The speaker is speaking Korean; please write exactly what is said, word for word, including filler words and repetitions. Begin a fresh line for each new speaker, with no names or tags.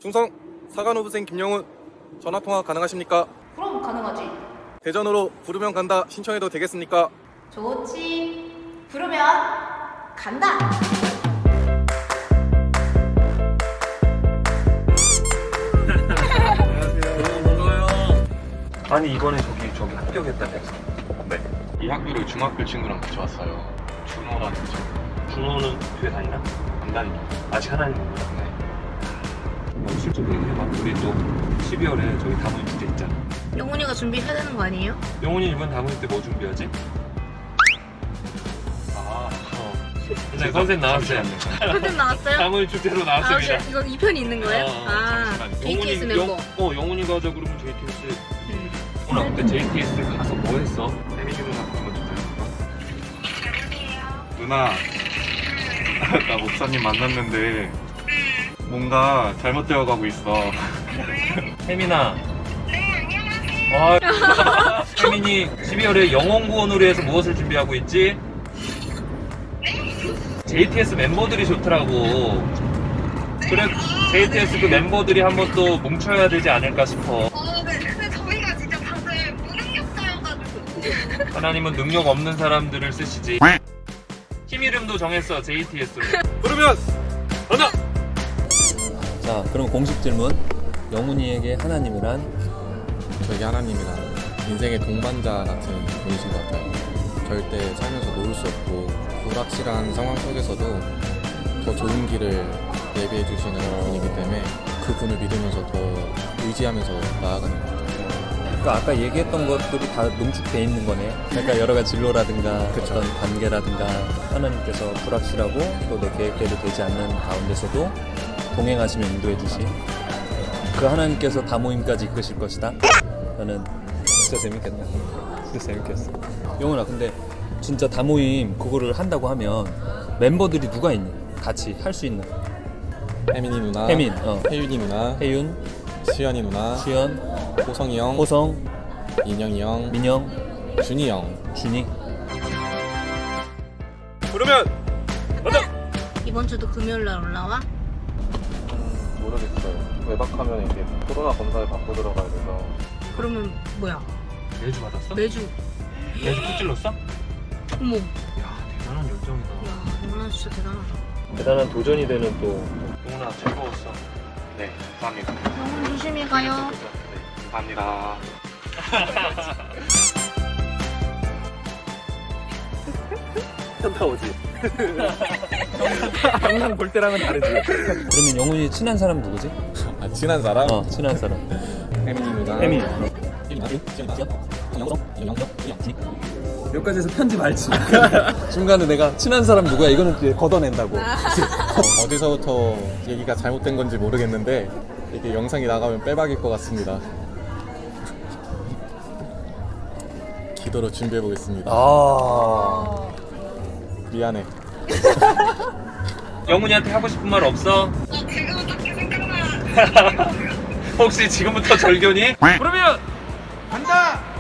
충성 사관 후보생 김영훈 전화통화 가능하십니까?
그럼 가능하지.
대전으로 부르면 간다 신청해도 되겠습니까?
좋지. 부르면 간다.
아니 이번에 저기 저기 합격했다면서.
네. 이 학교를 중학교 친구랑 같이 왔어요. 준호라는 친구.
준호는 교회 다니나?
안 다니고.
아직 하나님 몰라.
네.
어, 실제로 얘기해봐. 우리 또 십이월에 저기 다모임 주제 있잖아.
영훈이가 준비해야 되는 거 아니에요?
영훈이 이번 다모임 때 뭐 준비하지?
아,
어. 이제 컨셉 나왔어요.
컨셉 나왔어요?
다모임 주제로
아,
나왔습니다.
이거 이 편이 있는 거예요?
어,
아,
잠시만요.
제이티에스
영훈이-
멤버.
영, 어, 영훈이 가자 그러면 제이티에스.
음.
오늘 근데 제이티에스 가서 뭐 했어?
데미지 누나 한번 주세요. 누나, 나 목사님 만났는데 뭔가 잘못되어 가고 있어.
혜민아. 네, 안녕하세요. 혜민이 십이월에 영혼구원으로 해서 무엇을 준비하고 있지? 제이티에스 멤버들이 좋더라고. 그래, 제이티에스 그 멤버들이 한번 또 뭉쳐야 되지 않을까 싶어.
어, 네. 근데 저희가 진짜 다들 무능력자여가지고.
하나님은 능력 없는 사람들을 쓰시지. 팀 이름도 정했어, 제이티에스로.
부르면
간다!
자, 그럼 공식 질문. 영훈이에게 하나님이란?
저에게 하나님이란 인생의 동반자 같은 분이신 것 같아요. 절대 살면서 놓을 수 없고 불확실한 상황 속에서도 더 좋은 길을 예비해 주시는 분이기 때문에 그 분을 믿으면서 더 의지하면서 나아가는 것 같아요.
그러니까 아까 얘기했던 것들이 다 농축돼 있는 거네. 그러니까 여러 가지 진로라든가
그쵸.
어떤 관계라든가 하나님께서 불확실하고 또 내 계획대로 되지 않는 가운데서도 동행하시며 인도해 주시. 그 하나님께서 다모임까지 이끄실 것이다. 나는 진짜 재밌겠다. 진짜 재밌겠어. 영훈아, 근데 진짜 다모임 그거를 한다고 하면 멤버들이 누가 있니? 같이 할 수 있는.
혜민이 누나,
혜민, 어.
혜윤이 누나,
혜윤,
수연이 누나,
수연,
호성이 형,
호성,
인영이 형,
민영,
준이 형.
준이.
부르면
이번 주도 금요일 날 올라와?
음, 모르겠어요. 외박하면 이제 코로나 검사를 받고 들어가야 돼서
그러면 뭐야?
매주 받았어?
매주.
매주 푹 찔렀어?
어머.
야, 대단한 열정이다.
야, 영훈아 진짜 대단하다.
대단한 도전이 되는 또
영훈아, 즐거웠어.
네, 감사합니다.
영훈 조심히 가요.
네, 감사합니다.
현타 오지. 항상 볼 때랑은 다르지.
그러면 영훈이 친한 사람 누구지?
아, 친한 사람?
어, 친한 사람.
혜민이 누나.
혜민.
몇 가지에서 편집 알지?
중간에 내가 친한 사람 누구야? 이거는 이제 걷어낸다고.
어, 어디서부터 얘기가 잘못된 건지 모르겠는데 이게 영상이 나가면 빼박일 것 같습니다. 기도로 준비해 보겠습니다.
아.
미안해.
영훈이한테 하고 싶은 말 없어?
어, 지금은 딱히 생각나.
혹시 지금부터 절견이? 그러면
간다!